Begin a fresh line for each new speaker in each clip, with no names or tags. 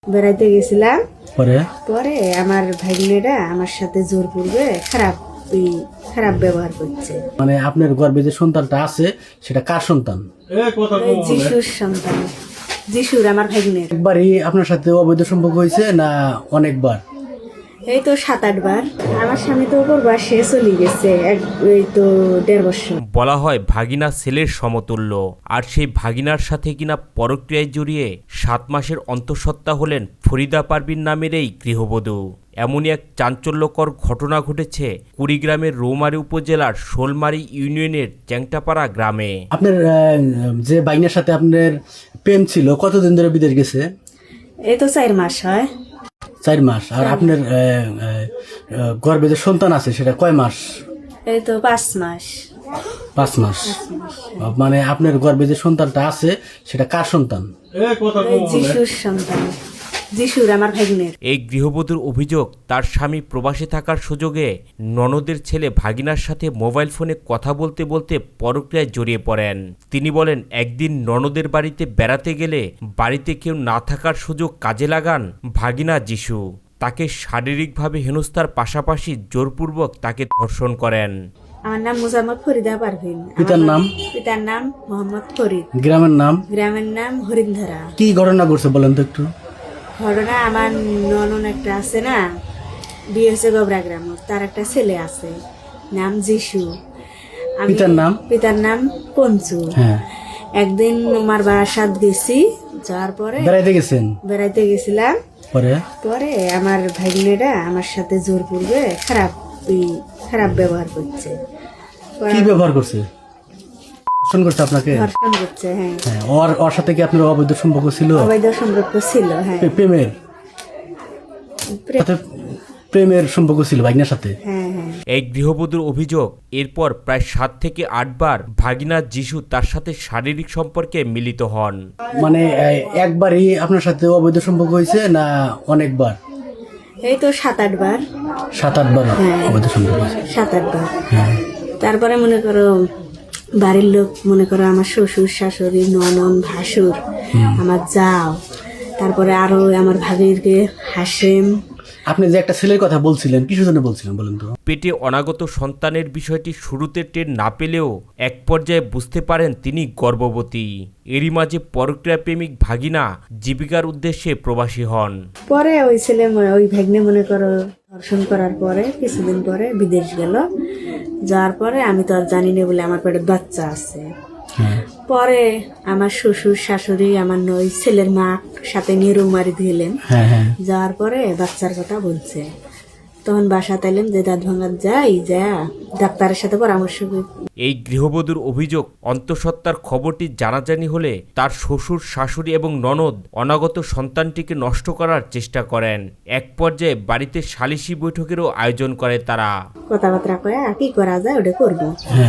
বেড়াইতে গেছিলাম।
পরে
পরে আমার ভাগ্নেরা আমার সাথে জোরপূর্বে খারাপ ব্যবহার করছে।
মানে আপনার গর্ভে যে সন্তানটা আছে সেটা কার সন্তান?
ওই যিশুর সন্তান, যিশুর, আমার ভাগ্নের।
একবারই আপনার সাথে অবৈধ সম্পর্ক হয়েছে না অনেকবার?
এই তো 7-8 বার। আমার স্বামী তো ওপর বাসে চলে গেছে, এই তো 1.5 বছর।
বলা হয় ভাগিনা ছেলের সমতুল্য, আর সেই ভাগিনার সাথে কিনা পরক্রিয়ায় জড়িয়ে 7 মাসের অন্তঃসত্ত্বা হলেন ফরিদা পারভিন নামের এই গৃহবধূ। এমনই এক চাঞ্চল্যকর ঘটনা ঘটেছে কুড়িগ্রামের রৌমারী উপজেলার শোলমারী ইউনিয়নের চ্যাংটাপাড়া গ্রামে।
আপনার যে বাইনের সাথে আপনার প্রেম ছিল কতদিন ধরে বিদেশ গেছে?
এই তো 4 মাস হয়।
4 মাস। আর আপনার গর্ভে যে সন্তান আছে সেটা কয় মাস?
এই তো 5 মাস।
5 মাস। মানে আপনার গর্ভে যে সন্তানটা আছে সেটা কার সন্তান?
ওই যিশুর সন্তান, যিশুর, আমার ভাগ্নের।
এই গৃহবধূর অভিযোগ, তার স্বামী প্রবাসে থাকার সুযোগে ননদের ছেলে ভাগিনার সাথে মোবাইল ফোনে কথা বলতে বলতে পরক্রিয়ায় জড়িয়ে পড়েন। তিনি বলেন, একদিন ননদের বাড়িতে বেড়াতে গেলে বাড়িতে কেউ না থাকার সুযোগ কাজে লাগান ভাগিনা যিশু। তাকে শারীরিকভাবে হেনস্থার পাশাপাশি জোরপূর্বক তাকে ধর্ষণ করেন।
আমার নাম মুজাম্মদ ফরিদা পারভিন।
পিতার নাম?
পিতার নাম মোহাম্মদ ফরিদ।
গ্রামের নাম?
গ্রামের নাম হরিণধারা।
কি ঘটনা ঘটছে বলেন তো একটু।
ঘটনা, আমার ননন একটা আছে না, বিয়ে হয়েছে গোবরা গ্রাম, তার একটা ছেলে আছে, নাম যিশু।
পিতার নাম?
পিতার নাম পঞ্চু।
হ্যাঁ।
একদিন আমার বাসাত গেছি, যাওয়ার পরে বেড়াইতে গেছিলাম। পরে আমার ভাগ্নেরা আমার সাথে জোরপূর্বে খারাপ ব্যবহার করছে।
কি ব্যবহার করছে? ধর্ষণ করছে আপনাকে?
ধর্ষণ করছে, হ্যাঁ।
ওর সাথে কি আপনার অবৈধ সম্পর্ক ছিল?
অবৈধ সম্পর্ক ছিল, হ্যাঁ।
প্রেমের সম্পর্ক ছিল ভাগিনার সাথে?
হ্যাঁ হ্যাঁ।
এই গৃহবধূর অভিযোগ, এরপর প্রায় 7 থেকে 8 বার ভাগিনা যিশু তার সাথে শারীরিক সম্পর্কে মিলিত হন।
মানে একবারই আপনার সাথে অবৈধ সম্পর্ক হয়েছে না অনেকবার?
এই তো 7-8 বার।
7-8 বার অবৈধ সম্পর্ক হয়েছে।
7-8 বার।
হ্যাঁ।
তারপরে মনে করো বাড়ির লোক, মনে করো আমার শ্বশুর শাশুড়ি, ননদ, ভাসুর, আমার যাও, তারপরে আরো আমার ভাবিরকে হাসেম।
আপনি যে একটা ছেলের কথা বলছিলেন, কিসের জন্য বলছিলেন বলেন তো?
পেটে অনাগত সন্তানের বিষয়টি শুরুতে টের না পেলেও এক পর্যায়ে বুঝতে পারেন তিনি গর্ভবতী। এরই মাঝে পরক্রিয়া প্রেমিক ভাগিনা জীবিকার উদ্দেশ্যে প্রবাসী হন।
পরে ওই ছেলে, ওই ভাগ্নে মনে করো ধর্ষণ করার পরে কিছুদিন পরে বিদেশ গেল। যাওয়ার পরে আমি তো আর জানি না বলে আমার পেটে বাচ্চা আছে। পরে আমার শ্বশুর শাশুড়ি, আমার ওই ছেলের মা সাথে নিয়ে রৌমারি দিলেন। যাওয়ার পরে বাচ্চার কথা বলছে, তখন বাসা তাইলেন যে দাঁত ভাঙার যাই, যা ডাক্তারের সাথে পরামর্শ করি।
এই গৃহবধূর অভিযোগ, অন্তঃসত্ত্বার খবরটি জানাজানি হলে তার শ্বশুর শাশুড়ি এবং ননদ অনাগত সন্তানটিকে নষ্ট করার চেষ্টা করেন। এক পর্যায়ে বাড়িতে সালিশি বৈঠকেরও আয়োজন করে তারা।
কথাবার্তা কয়ে কি করা যায় ওটা করবো।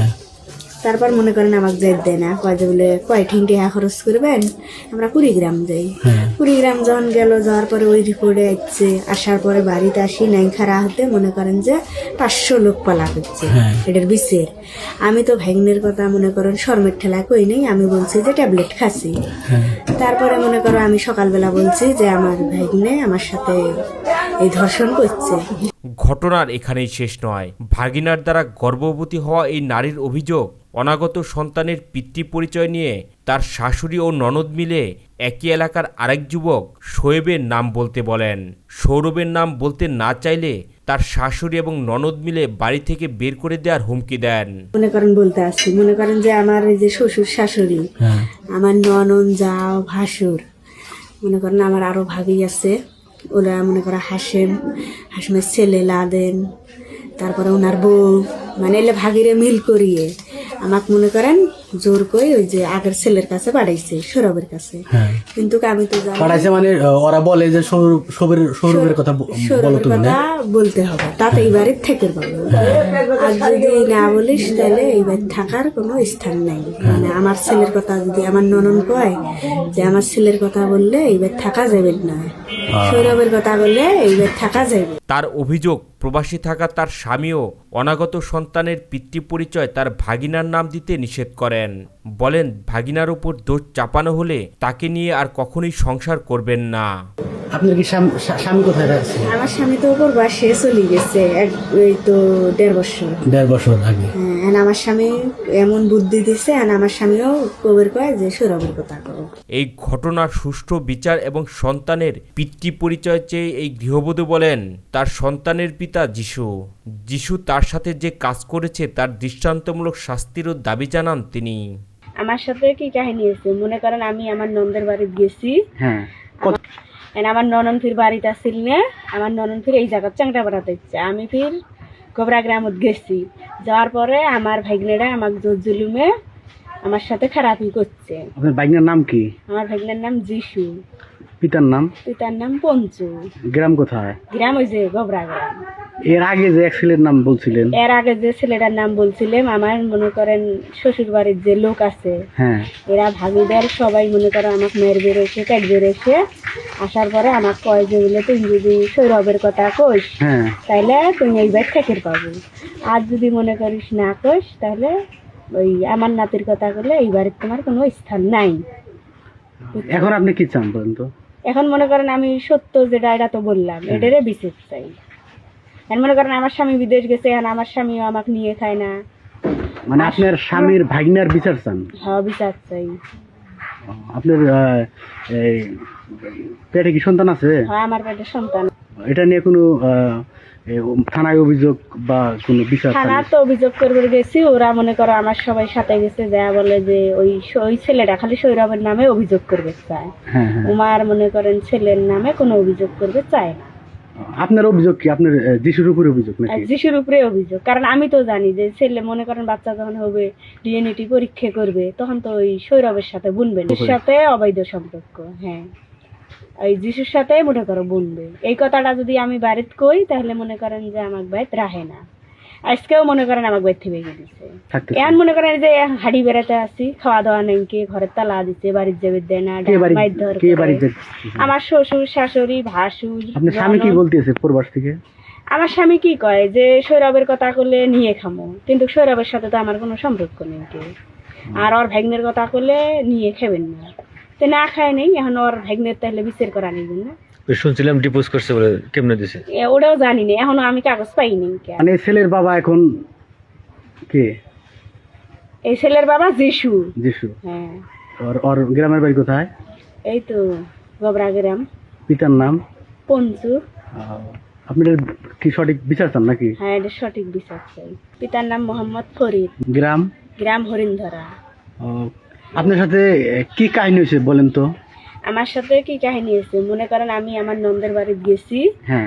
তারপর মনে করেন আমাকে যেতে দেয় না, কয় যে বলে কয় ঠিনটি খরচ করবেন, আমরা কুড়িগ্রাম যাই। কুড়িগ্রাম যখন গেল, যাওয়ার পরে ওই রিপোর্টে আসছে, আসার পরে বাড়িতে আসি নাই খারা হতে মনে করেন যে 500 লোক পালা করছে এটার বিষের। আমি তো ভাগ্নের কথা মনে করেন শর্মের ঠেলা কই নেই, আমি বলছি যে ট্যাবলেট খাচ্ছি। তারপরে মনে করো আমি সকালবেলা বলছি যে আমার ভাগ্নে আমার সাথে এই ধর্ষণ করছে।
ঘটনার এখানেই শেষ নয়। ভাগিনার দ্বারা গর্ভবতী হওয়া এই নারীর অভিযোগ, অনাগত সন্তানের পিতৃ পরিচয় নিয়ে তার শাশুড়ি ও ননদ মিলে একই এলাকার আরেক যুবক শোয়েবের নাম বলতে বলেন। সৌরভের নাম বলতে না চাইলে তার শাশুড়ি এবং ননদ মিলে বাড়ি থেকে বের করে দেওয়ার হুমকি দেন।
মনে করেন বলতে আসছি, মনে করেন যে আমার এই যে শ্বশুর শাশুড়ি, আমার ননদ, যাও, ভাসুর, মনে করেন আমার আরো ভাবি আছে, ওরা মনে করো হাসেমের ছেলে লাদেন, তারপরে ওনার বউ, মানে এলে ভাগিরে মিল করিয়ে আমাকে মনে করেন জোর করে ওই যে আগের ছেলের কাছে পাঠাইছে, সৌরভের কাছে। কিন্তু আমি তো
পাঠাইছে মানে ওরা বলে যে সৌরভের কথা
বলতে হবে, তাতে এই বাড়ির থেকে পাবো। আর যদি না বলিস তাহলে এই বাড়ি থাকার কোনো স্থান নাই। মানে আমার ছেলের কথা যদি আমার ননদ কয় যে আমার ছেলের কথা বললে এই বাড়ি থাকা যাবে না, সৌরভের কথা বললে এই বাড়ি থাকা যাবে।
তার অভিযোগ, প্রবাসী থাকা তার স্বামীও অনাগত সন্তানের পিতৃ পরিচয় তার ভাগিনার নাম দিতে নিষেধ করেন। বলেন, ভাগিনার উপর দোষ চাপানো হলে তাকে নিয়ে আর কখনোই সংসার করবেন না।
আপনার কি স্বামী কোথায় আছে?
আমার স্বামী তো ওপর বাসে চলে গেছে এই তো 1.5 বছর।
1.5 বছর আগে।
হ্যাঁ, আর আমার স্বামী এমন বুদ্ধি দিছে, আর আমার স্বামীও কবের কয় যে সৌরভের কথা করো।
এই ঘটনার সুষ্ঠু বিচার এবং সন্তানের পিতৃ পরিচয় চেয়ে এই গৃহবধূ বলেন তার সন্তানের পিতা যিশু তার সাথে যে কাজ করেছে তার দৃষ্টান্তমূলক শাস্তিরও দাবি জানান তিনি।
আমার সাথে কি কাহিনী হয়েছে মনে করেন, আমি আমার ননদের বাড়িতে গেছি।
হ্যাঁ,
আমার ননন ফির বাড়িতে আসছিল না, আমার ননন ফির এই জায়গা চাংটা বেড়াতে ইচ্ছে, আমি ফির গোবরা গ্রামত গেছি। যাওয়ার পরে আমার ভাগ্নেরা আমাকে জোর জুলুমে আমার সাথে খারাপই করছে।
আপনার ভাগ্নের নাম কি?
আমার ভাগ্নের নাম যিশু।
পিতার নাম?
পিতার নাম পঞ্চু।
গ্রাম কোথায়?
গ্রাম ওই যে গোবরা গ্রাম।
এর আগে যে এক ছেলের নাম বলছিলেন?
এর আগে যে ছেলেটার নাম বলছিলাম, আমার মনে করেন শ্বশুর বাড়ির যে লোক আছে,
হ্যাঁ,
এরা ভাগিদার সবাই মনে করো আমাকে মেয়ের বেরোছে কাট বেরোছে। আসার পরে আমাকে কয় যে বলে তুমি যদি সৌরভের কথা কইস
হ্যাঁ,
তাহলে তুমি এই বাড়ি থেকে পাবো, আর যদি মনে করিস না কইস তাহলে ওই আমার নাতির কথা বলে এই বাড়ির তোমার কোনো স্থান নাই।
এখন আপনি কি চান বলেন তো?
এখন মনে করেন আমি সত্য যেটা এটা তো বললাম, এটারে বিচার চাই। এখন মনে করেন আমার স্বামী বিদেশ গেছে, এখন আমার স্বামীও আমাকে নিয়ে খায় না।
মানে আপনার স্বামীর ভাগ্নার বিচার চান?
হ্যাঁ, বিচার চাই।
আপনার এই পেটে কি সন্তান আছে?
হ্যাঁ, আমার পেটে সন্তান।
এটা নিয়ে কোনো থানায় অভিযোগ বা কোনো বিচার?
থানা তো অভিযোগ করবে গেছি, ওরা মনে করো আমার সবাই সাথে গেছে, যা বলে যে ওই ছেলেটা খালি সৌরভের নামে অভিযোগ করবে চায়।
হ্যাঁ, হ্যাঁ।
উমার মনে করেন ছেলের নামে কোনো অভিযোগ করবে চায় না।
আপনার অভিযোগ কি? আপনার যিশুর উপরে অভিযোগ নাকি?
যিশুর উপরে অভিযোগ, কারণ আমি তো জানি যে ছেলে মনে করেন বাচ্চা যখন হবে ডিএনএটি পরীক্ষা করবে তখন তো ওই সৌরভের সাথে বুনবে, এর সাথে অবৈধ সম্পর্ক। হ্যাঁ, ওই যিশুর সাথে মনে করো বুনবে। এই কথাটা যদি আমি বাড়িতে কই তাহলে মনে করেন যে আমার বাড়িতে রাহে না। আজকেও মনে করেন আমার বাড়ি থেকে গেছে। এখন মনে করেন যে হাড়ি বেড়াতে আসি, খাওয়া দাওয়া নেই, কে ঘরের তালা দিচ্ছে, বাড়ির যাবে দেয় না, মারধর করে। আমার শ্বশুর শাশুড়ি ভাসুর।
আপনার স্বামী কি বলতেছে প্রবাস থেকে?
আমার স্বামী কি কয় যে সৌরভের কথা করলে নিয়ে খামো, কিন্তু সৌরভের সাথে তো আমার কোনো সম্পর্ক নেই কেউ। আর ওর ভাগ্নের কথা করলে নিয়ে খাবেন না, তো না খায় নেই। এখন ওর ভাগ্নের তাহলে বিচার করা নেই না।
শুনছিলাম ডিপোজ করছে বলে, কেমনে দিছে
ওটাও জানি না, এখনো আমি কাগজ পাইনি।
মানে ছেলের বাবা এখন কে?
এই ছেলের বাবা যিশু। হ্যাঁ।
ওর গ্রামের বাড়ি কোথায়?
এই তো গোবরা গ্রাম।
পিতার নাম?
পঞ্চু।
আপনি কি সঠিক বিচার চান নাকি?
হ্যাঁ, এটা সঠিক বিচার চাই। পিতার নাম মোহাম্মদ ফরিদ। গ্রাম হরিণধরা।
আপনার সাথে কি কাহিনী হয়েছে বলেন তো?
আমার সাথে কি কাহিনী হয়েছে মনে করেন, আমি আমার ননদের বাড়িতে গেছি।
হ্যাঁ।